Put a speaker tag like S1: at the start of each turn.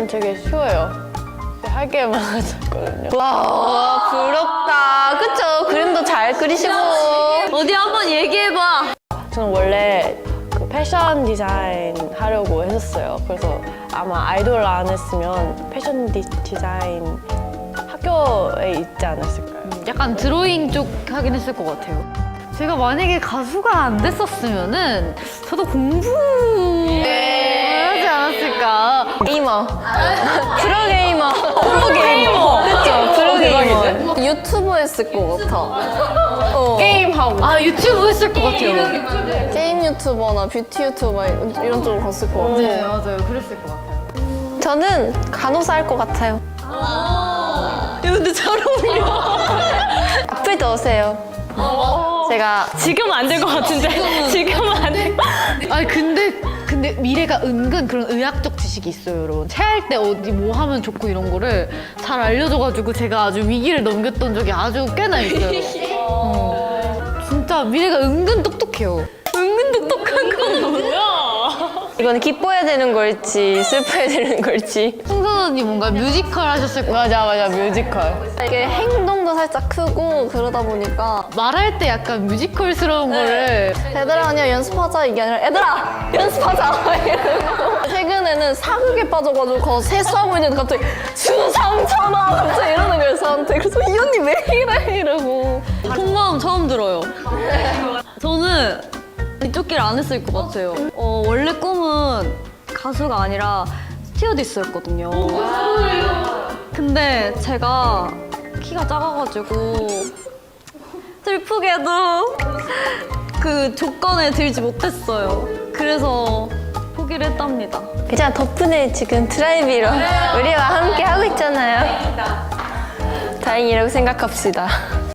S1: 저는 되게 쉬워요. 할 게 많았거든요.
S2: 와, 부럽다. 그쵸? 그림도 잘 그리시고. 어디 한번 얘기해봐.
S1: 저는 원래 그 패션 디자인 하려고 했었어요. 그래서 아마 아이돌 안 했으면 패션 디자인 학교에 있지 않았을까요?
S3: 약간 드로잉 쪽 하긴 했을 것 같아요. 제가 만약에 가수가 안 됐었으면은 저도 공부하지 않았을까.
S2: 게이머. 프로게이머. 프로게이머. 그쵸? 프로게이머. 유튜브 했을 것 같아.
S1: 게임하고.
S3: 아, 유튜브 했을 것 같아요.
S2: 게임 유튜버나 뷰티 유튜버 이런 쪽으로 갔을 것 같아요.
S3: 네, 맞아요. 그랬을 것 같아요.
S2: 저는 간호사 할 것 같아요. 근데 잘 어울려. 앞을 넣으세요. 제가
S3: 지금은 안 될 것 같은데. 지금은 안 될 것 같은데. 아니, 근데 미래가 은근 그런 의학적 지식이 있어요, 여러분. 체할 때 어디 뭐 하면 좋고 이런 거를 잘 알려줘가지고 제가 아주 위기를 넘겼던 적이 아주 꽤나 있어요. 진짜 미래가 은근 똑똑해요. 은근 똑똑한 건 뭐야?
S2: 이건 기뻐해야 되는 걸지 슬퍼해야 되는 걸지.
S3: 승선 언니 뭔가 뮤지컬 하셨을 거
S1: 맞아, 뮤지컬.
S2: 이게 행동도 살짝 크고 그러다 보니까
S3: 말할 때 약간 뮤지컬스러운 거를
S2: 얘들아 아니야 연습하자 이게 아니라 얘들아 연습하자 이러고. 최근에는 사극에 빠져가지고 세수하고 있는데 갑자기 주상천하 갑자기 이러는 거예요 저한테. 그래서 이 언니 왜 이래 이러고. 속마음 처음 들어요. 저는 이쪽 길 안 했을 것 같아요. 원래 꿈은 가수가 아니라 스튜어디스였거든요. 근데 제가 키가 작아가지고 슬프게도 그 조건에 들지 못했어요. 그래서 포기를 했답니다. 괜찮아, 덕분에 지금 드라이비로 우리와 함께 하고 있잖아요. 다행이라고 생각합시다.